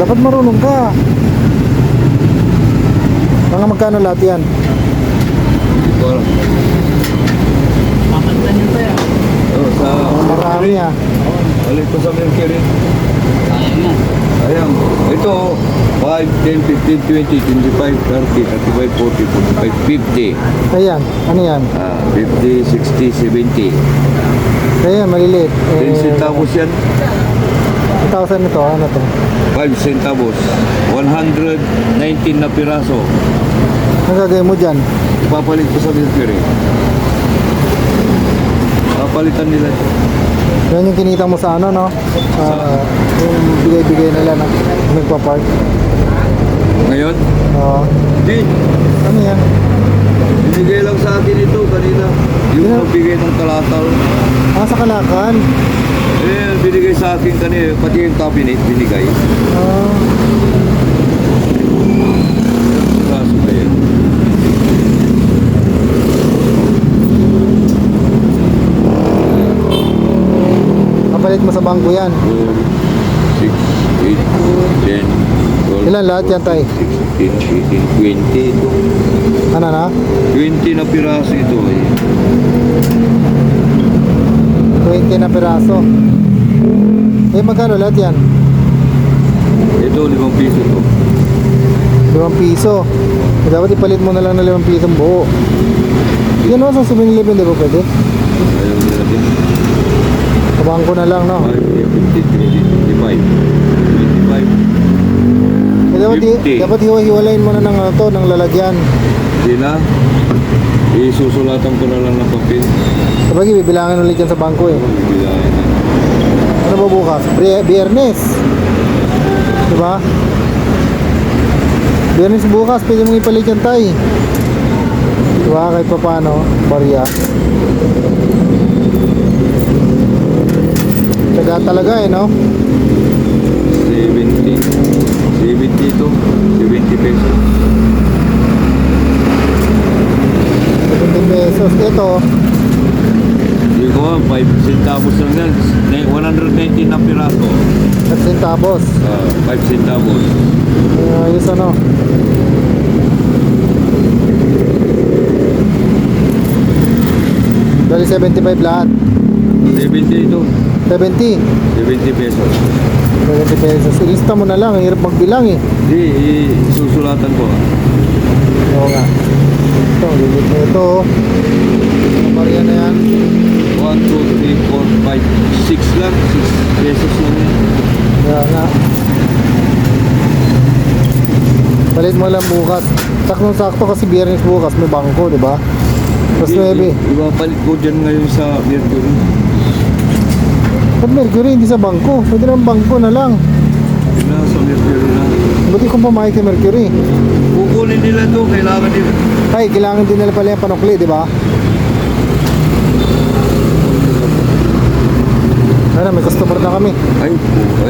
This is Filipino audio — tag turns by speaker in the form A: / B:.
A: Dapat marunong ka. Mga magkano lahat yan?
B: Hindi ko alam.
C: Mamanta niyo pa yan.
B: Sa
A: Marami ah.
B: balik ko sa Mercury.
C: Sayang yan.
B: Ayan. Ito, 5, 10, 15, 20, 25, 30, 35, 40, 45, 50.
A: Ayan, ano yan?
B: 50, 60, 70.
A: Ayan, maliliit.
B: 10 centavos yan.
A: 1,000 ito, ano to?
B: 5 centavos. 119 na piraso.
A: Ang gagawin mo dyan?
B: Ipapalit ko sa Mercury. Papalitan nila ito.
A: Yan yung kinita mo sa ano, no? Yung bigay-bigay nila na magpa-park.
B: Ngayon?
A: Oo.
B: Di.
A: Ano yan?
B: Binigay lang sa akin ito kanina. Yung
A: Yeah.
B: nagbigay ng kalataw.
A: Sa Kalakan.
B: Eh, binigay sa akin kanina. Pati yung cabinet binigay. Kaso ba yan?
A: Kapalit mo sa bangko yan.
B: 4, 6, 8, 10, 12,
A: Ilan lahat yan, tay?
B: 16, 18, 20 ito.
A: Ano na?
B: 20 na piraso ito eh.
A: 20 na piraso. Eh, magkano lahat yan?
B: Ito, 5 piso to.
A: 5 piso. Eh, dapat ipalit mo na lang na 5 piso buo. Yan o, sa 7-Eleven, di ba pwede?
B: Ayaw nila din.
A: Sa bangko na lang, no?
B: 5, 15, 20, 25. 25.
A: Eh, dapat,
B: 50.
A: dapat hiwa-hiwalayin mo na ng, ano, to, ng lalagyan.
B: Hindi na. Isusulatan ko na lang ng papel.
A: Sabagay, bibilangin ulit yan sa bangko eh.
B: Bibilayan na.
A: Ano ba bukas? Biyernes. Diba? Biyernes bukas, pwede mong ipalit yan, tay. Diba? Kahit pa paano, barya. Taga talaga eh, no?
B: 70. 70 ito. 70 pesos.
A: 70 pesos. Ito,
B: Hindi ko 5 centavos lang yan. 119 na piraso.
A: 5 centavos.
B: 5 centavos.
A: Ayos ano. Dali 75 lahat.
B: 70 ito.
A: 70.
B: 70 pesos.
A: 70 pesos. Ilista mo na lang. Ang hirap magbilang eh.
B: Hindi, isusulatan ko.
A: Oo nga. Ito, lilit na ito. Ang barya na yan.
B: 1, 2, 3, 4, 5, 6 lang. 6 pesos lang yan.
A: Kaya nga. Palit mo lang bukas. Saktong-sakto kasi biyernes bukas may bangko, di ba? Tapos 9.
B: Ipapalit ko dyan ngayon sa Mercury.
A: Ba't Mercury, hindi sa bangko? Pwede naman bangko na lang.
B: Sa Mercury na.
A: Ba't di kong pumayag kay Mercury?
B: Kukunin nila to, kailangan nila.
A: Ay, kailangan din nila pala yung panukli, di ba? Ano, may customer na kami.
B: Ay,